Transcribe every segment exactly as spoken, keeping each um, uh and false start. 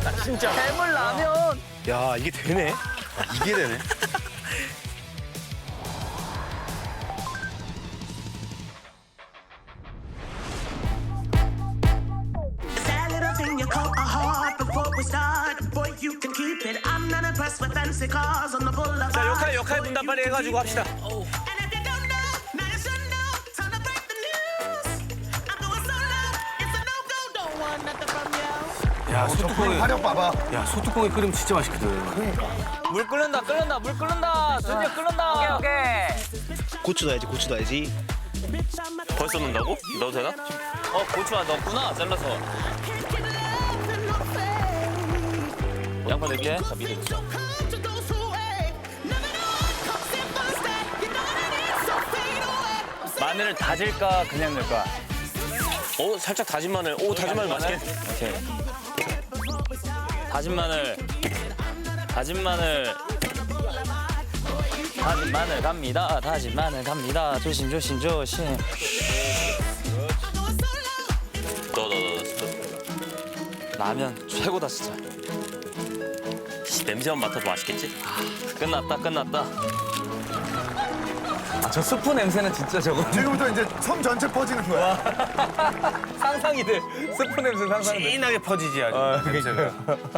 진짜. 해물 라면. 야, 이게 되네. 이게 되네. That little thing you call a heart before we start. Boy, you can keep it. I'm not impressed with fancy cars on the boulevard. 자, 역할 역할 분담 빨리 해가지고 합시다. And if you don't know, now you should know. Time to break the news. I'm going solo. It's a no-go. Don't want nothing from you. 야, 소뚜껑이 화력 봐봐. 야, 소뚜껑이 끓이면 진짜 맛있거든. 물 끓는다 끓는다 물 끓는다. 드디어 끓는다. 오케이 오케이. 고추 넣어야지, 고추 넣어야지. 벌써 넣는다고? 넣어도 되나? 어 고추 안 넣었구나 잘라서. 양파 넣을게. 자 미리. Come to those who wait. Never know. Come sit first that. You know what it is. So fade away. 마늘을 다질까 그냥 넣을까? 오, 살짝 다진 마늘. 오, 다진 마늘 맛있게. 오케이. 다진 마늘. 다진 마늘. 다진 마늘 갑니다. 다진 마늘 갑니다. 조심 조심 조심. 넣어, 넣어, 넣어. 라면 최고다 진짜. 씨, 냄새만 맡아도 맛있겠지? 끝났다 끝났다. 아, 저 스프 냄새는 진짜 저거. 지금부터 이제 섬 전체 퍼지는 거야. 상상이 돼. 스프 냄새 상상이 돼. 진하게 퍼지지 아주. 냄새가.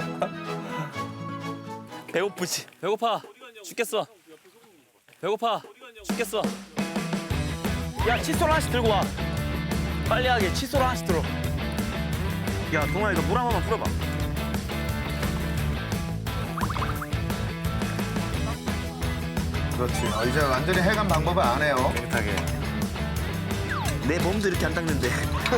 배고프지? 배고파. 죽겠어. 배고파. 죽겠어. 야 칫솔 하나씩 들고 와. 빨리 하게 칫솔 하나씩 들어. 야, 동아 이거 물 한 번만 풀어봐. 그렇지. 어, 이제 완전히 해감 방법을 안 해요. 깨끗하게. 내 몸도 이렇게 안 닦는데.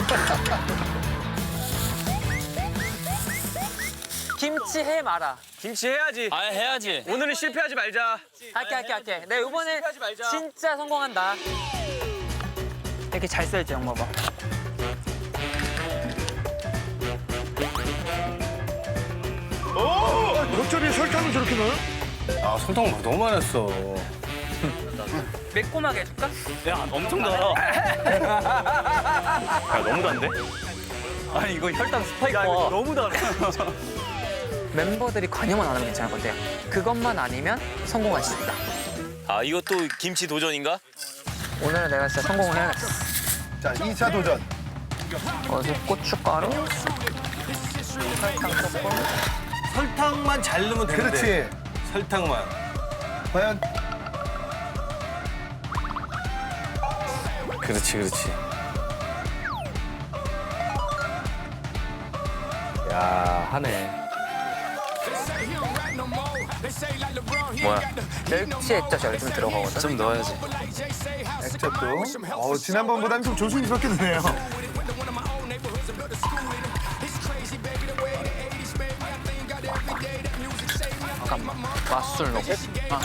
김치 해 마라. 김치 해야지. 아 해야지. 오늘은 실패하지 말자. 할게 할게 할게. 내가 이번에 실패하지 말자. 진짜 성공한다. 이렇게 잘 써야지 형 봐봐. 겉절이에 설탕을 저렇게 넣어요? 아, 설탕 너무 많았어. 매콤하게 해줄까? 야 엄청 달아. 야, 너무 단데? 아니 이거 혈당 스파이크. 야, 이거 너무 달아. 멤버들이 관여만 안 하면 괜찮을 것 같아. 그것만 아니면 성공할 수 있다. 아, 이것도 김치 도전인가? 오늘은 내가 진짜 성공을 해야겠어. 자, 이 차 도전. 어디 고춧가루, 설탕 조금. 설탕만 잘 넣으면 되는데. 그렇지. 설탕만. 과연 그렇지, 그렇지. 야, 하네. 뭐야? 멸치 액젓이 좀 들어가거든. 좀 넣어야지. 액젓도. 어, 지난번보다는 좀 조심스럽게 드네요. 잠깐만. 맛술 넣고. 아.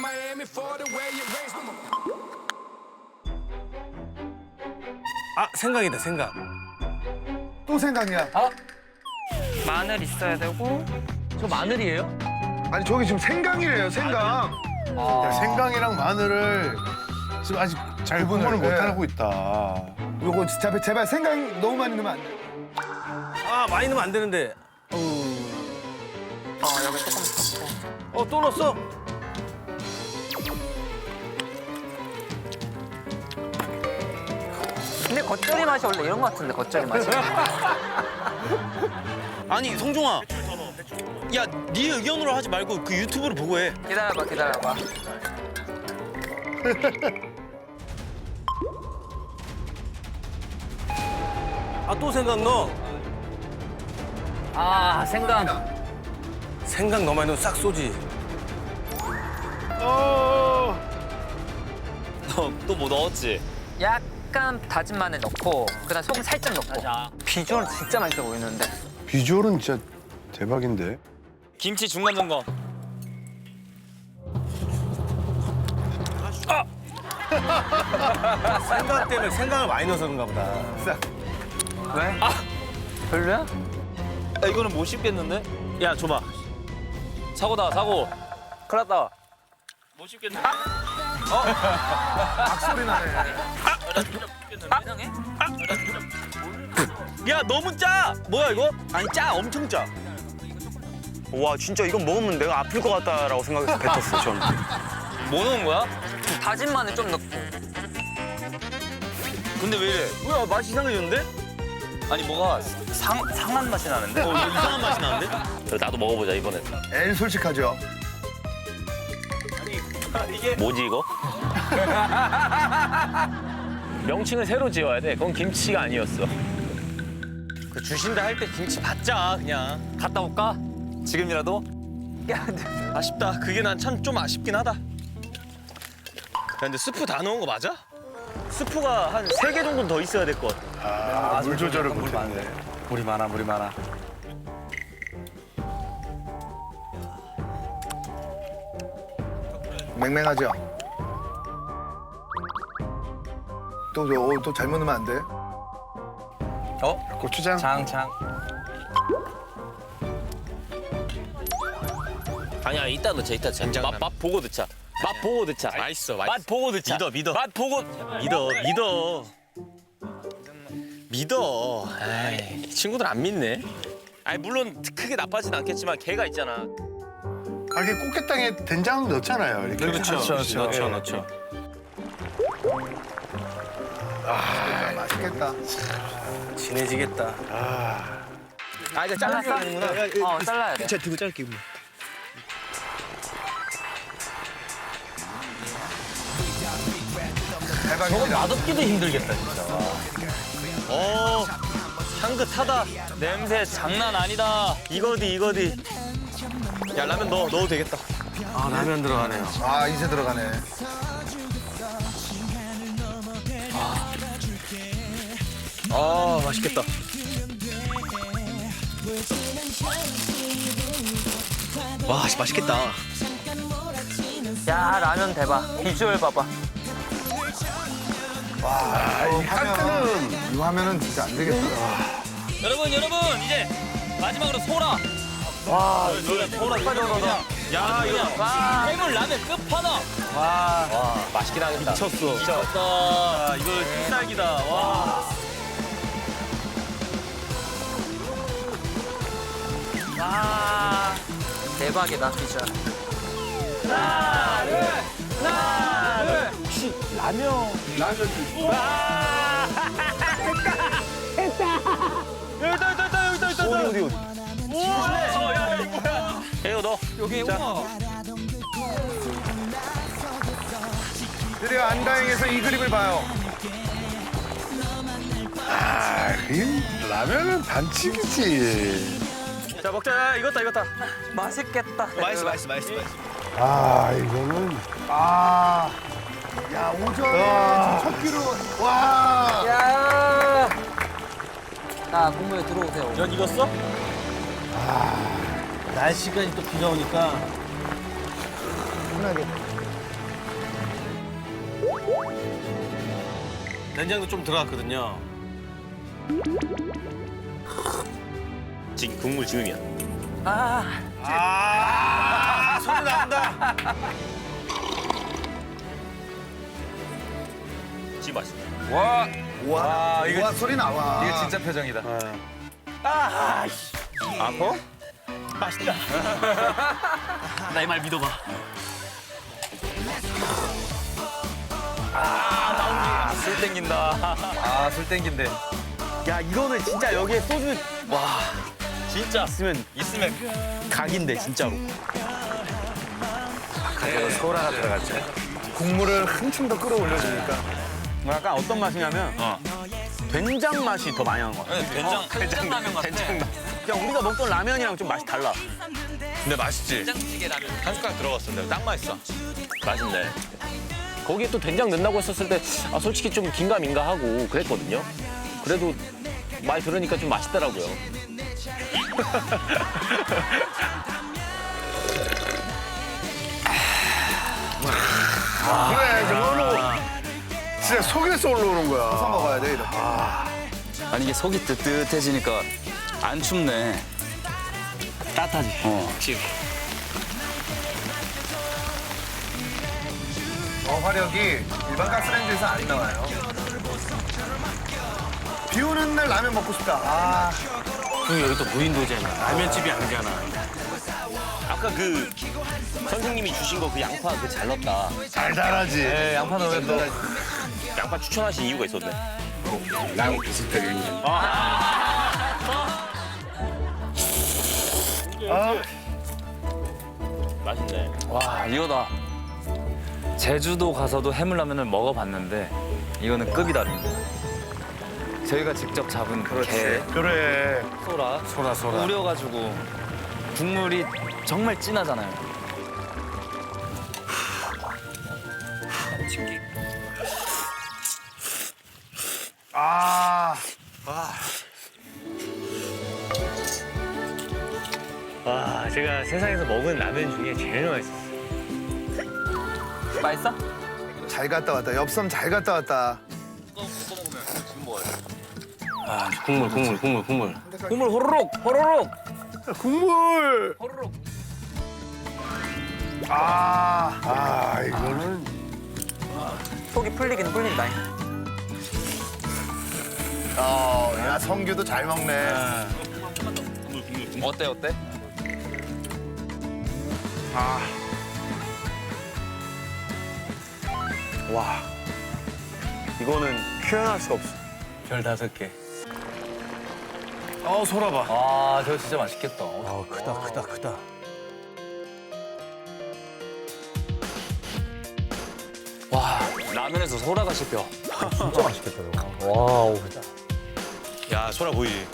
아, 생각이다, 생각. 또 생각이야. 마늘 있어야 되고. 저 마늘이에요? 아니, 저기 지금 생강이래요, 생강. 야, 생강이랑 마늘을 지금 아직 잘 분을 네. 못하고 있다. 요거 제발, 제발 생강 너무 많이 넣으면 안 돼. 아, 많이 넣으면 안 되는데. 어 여기 조금 넣고. 어, 또 넣었어? 근데 겉절이 맛이 원래 이런 거 같은데 겉절이 맛이. 아니, 성종아. 야, 네 의견으로 하지 말고 그 유튜브를 보고 해. 기다려봐 기다려봐. 아, 또 생강 넣어. 아 생강. 생강 너무 많이 넣으면 싹 쏘지. 너 또 뭐 넣었지? 약간 다진 마늘 넣고 그다음 소금 살짝 넣고. 비주얼 진짜 맛있어 보이는데. 비주얼은 진짜 대박인데. 김치 중간 점검. 생강 때문에 생강을 많이 넣어서 그런가 보다. 왜? 아 별로야? 야 이거는 못 씹겠는데? 야 줘봐. 사고다 사고. 큰일 났다. 못 씹겠는데? 악소리 나네. 이상해? 야, 너무 짜! 뭐야, 이거? 아니, 짜. 엄청 짜. 와 진짜 이건 먹으면 내가 아플 것 같다라고 생각해서 뱉었어 전. 뭐 넣은 거야? 다진 마늘 좀 넣고. 근데 왜 이래? 뭐야 맛이 이상해졌는데? 아니 뭐가 상, 상한 맛이 나는데? 어 이거 이상한 맛이 나는데? 나도 먹어보자 이번엔. 엘 솔직하죠. 뭐지 이거? 명칭을 새로 지어야 돼. 그건 김치가 아니었어. 그 주신다 할 때 김치 받자 그냥. 갔다 올까? 지금이라도? 아쉽다. 그게 난 참 좀 아쉽긴 하다. 야, 근데 스프 다 넣은 거 맞아? 스프가 한 세 개 정도는 더 있어야 될 것 같아. 아, 물 조절을 못했네. 물이 많아, 물이 많아. 맹맹하죠. 또, 또, 또 잘못 넣으면 안 돼. 어? 고추장. 장, 장. 아니야 이따 넣자 이따 넣자. 된장남. 맛, 맛 보고 넣자. 맛 보고 넣자. 맛있어, 맛있어. 맛 보고 넣자. 믿어, 믿어. 맛 보고. 믿어, 믿어. 믿어. 에이, 친구들 안 믿네. 아니 물론 크게 나빠진 않겠지만 걔가 있잖아. 아, 이게 꽃게탕에 된장 넣잖아요. 이렇게. 그렇죠, 그렇죠. 넣죠, 예. 넣죠. 아, 맛있겠다. 진해지겠다. 아, 이제 잘랐어. 어, 잘라야 돼. 제가 두고 자를게요. 대박입니다. 맛없기도 힘들겠다 진짜. 어, 향긋하다. 냄새 장난 아니다. 이거디, 이거디. 야, 라면 넣어, 넣어도 되겠다. 아, 라면 들어가네요. 아, 이제 들어가네. 아, 맛있겠다. 와, 맛있겠다. 야, 라면 대박. 비주얼 봐봐. 아, 이 화면은, 이 화면은 진짜 안 되겠다. 여러분 여러분 이제 마지막으로 소라. 와, 소라 빠져나가. 야 이거 와. 해물 라면 끝판왕. 와, 와 맛있긴 하겠다. 미쳤어. 미쳤다. 아, 이거 필살기다. 와. 와. 대박이다, 비주얼. 여기다, 여기다, 여기다, 여기다, 여기다. 어디, 어디, 어디. 우와, 야, 이거 뭐야. 해요 너. 여기 우와. 드디어 안다행에서 이 그림을 봐요. 아, 이 라면은 반칙이지. 자, 먹자. 야, 익었다, 익었다. 맛있겠다. 맛있어, 맛있어, 맛있어, 맛있어. 아, 이거는. 아. 야, 오전에 첫 끼로. 와. 야. 자, 국물에 들어오세요. 면 익었어? 날씨까지 또 비가 오니까. 편하게. 된장도 좀 들어갔거든요. 지금 국물 지금이야. 아, 아, 소리 나온다. 지금 맛있어. 와 와, 이거 소리 나와. 이게 진짜 표정이다. 아파? 맛있다. 나의 말 믿어봐. 술 땡긴다. 아술 땡긴데. 야, 이거는 진짜 여기에 소주. 와, 진짜 있으면, 있으면 각인데, 진짜로. 소라가 들어갔죠. 국물을 한층 더 끌어올려주니까. 약간 어떤 맛이냐면, 어. 된장 맛이 더 많이 나는 것 같아. 된장 된장 라면 같아. 그냥 우리가 먹던 라면이랑 좀 맛이 달라. 근데 맛있지. 된장찌개 라면. 한 숟가락 들어갔어. 근데 딱 맛있어. 맛있네. 거기에 또 된장 넣는다고 했었을 때 아, 솔직히 좀 긴가민가 하고 그랬거든요. 그래도 말 들으니까 좀 맛있더라고요. 그래, 저걸로. 진짜 속에서 올라오는 거야. 서서 먹어야 돼, 이렇게. 아니 이게 속이 뜨뜻해지니까 안 춥네. 따뜻하지? 어. 어, 화력이 일반 가스레인지에서 안 나와요. 비 오는 날 라면 먹고 싶다. 아, 그 여기 또 무인도잖아. 라면집이 아니잖아. 아까 그 선생님이 주신 거 그 양파 그 잘 넣었다. 달달하지. 네, 양파 넣으면 또 양파 추천하신 이유가 있었네. 나랑 비슷하게. 맛있네. 와 이거다. 제주도 가서도 해물라면을 먹어봤는데 이거는 급이 다릅니다. 저희가 직접 잡은 게 그래. 소라 소라 소라. 우려가지고 국물이 정말 진하잖아요. 아. 와, 제가 세상에서 먹은 라면 중에 제일 맛있었어요. 맛있어? 잘 갔다 왔다. 엽섬 잘 갔다 왔다. 아 국물 국물 국물 국물. 국물 호로록 호로록. 국물. 호로록. 아, 아 이거는 속이 풀리긴 풀린다. 어, 야 성규도 잘 먹네. 어때 어때? 와, 이거는 표현할 수가 없어. 별 다섯 개. 어 소라 봐. 아 저거 진짜 맛있겠다. 아 크다 크다 크다. 와 라면에서 소라가 씹혀. 야, 소라 보이지?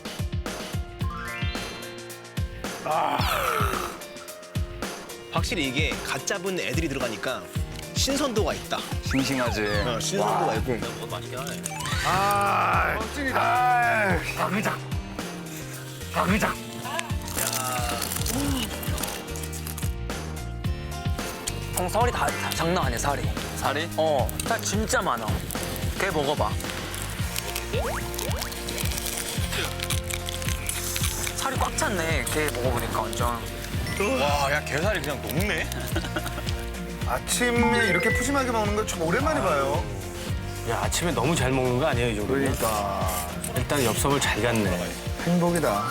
확실히 이게 갓 잡은 애들이 들어가니까 신선도가 있다. 싱싱하지. 어, 신선도가 있고. 아, 아, 박의장. 박의장. 형 살이 다, 다 장난 아니야 살이. 살이? 어, 살 진짜 많아. 걔 먹어봐. 살이 꽉 찼네. 걔 먹어보니까 완전. 와, 야, 게살이 그냥 녹네? 아침에 이렇게 푸짐하게 먹는 거 좀 오랜만에 봐요. 야 아침에 너무 잘 먹는 거 아니에요 이 정도? 그러니까 일단 엽섬을 잘 갔네. 행복이다.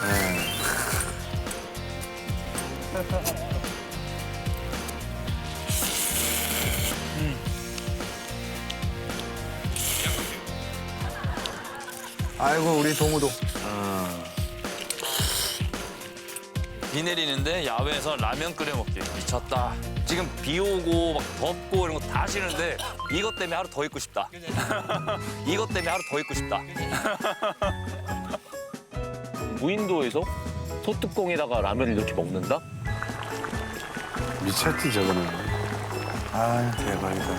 아이고 우리 동우도. 비 내리는데 야외에서 라면 끓여 먹기 미쳤다. 지금 비 오고 막 덥고 이런 거 다 싫은데 이것 때문에 하루 더 있고 싶다. 이것 때문에 하루 더 있고 싶다. 무인도에서 소뚜껑에다가 라면을 이렇게 먹는다? 미쳤지 저거는. 아 대박이다.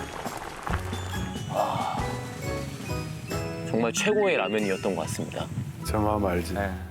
정말 최고의 라면이었던 것 같습니다. 저 마음 알지. 네.